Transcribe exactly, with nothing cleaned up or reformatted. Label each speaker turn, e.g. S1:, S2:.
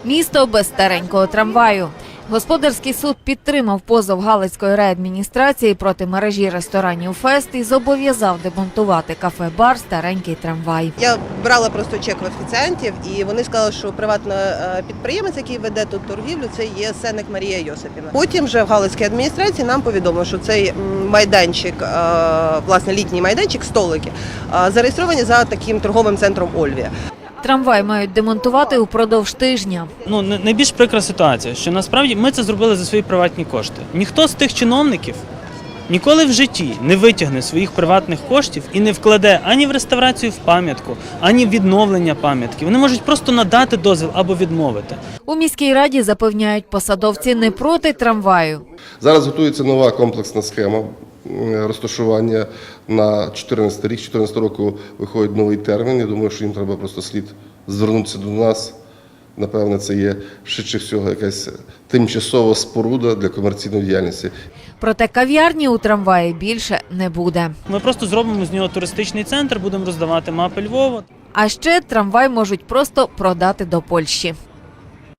S1: Місто без старенького трамваю. Господарський суд підтримав позов Галицької райадміністрації проти мережі ресторанів «Фест» і зобов'язав демонтувати кафе-бар «Старенький трамвай».
S2: Я брала просто чек в офіціантів, і вони сказали, що приватний підприємець, який веде тут торгівлю, це є Сенник Марія Йосипівна. Потім вже в Галицькій адміністрації нам повідомили, що цей майданчик, власне літній майданчик, столики, зареєстровані за таким торговим центром «Ольвія».
S1: Трамвай мають демонтувати упродовж тижня.
S3: Ну, найбільш прикра ситуація, що насправді ми це зробили за свої приватні кошти. Ніхто з тих чиновників ніколи в житті не витягне своїх приватних коштів і не вкладе ані в реставрацію в пам'ятку, ані в відновлення пам'ятки. Вони можуть просто надати дозвіл або відмовити.
S1: У міській раді запевняють, посадовці не проти трамваю.
S4: Зараз готується нова комплексна схема розташування на чотирнадцятий рік. чотирнадцятого року виходить новий термін. Я думаю, що їм треба просто слід звернутися до нас. Напевне, це є швидше всього якась тимчасова споруда для комерційної діяльності.
S1: Проте кав'ярні у трамваї більше не буде.
S3: Ми просто зробимо з нього туристичний центр, будемо роздавати мапи Львова.
S1: А ще трамвай можуть просто продати до Польщі.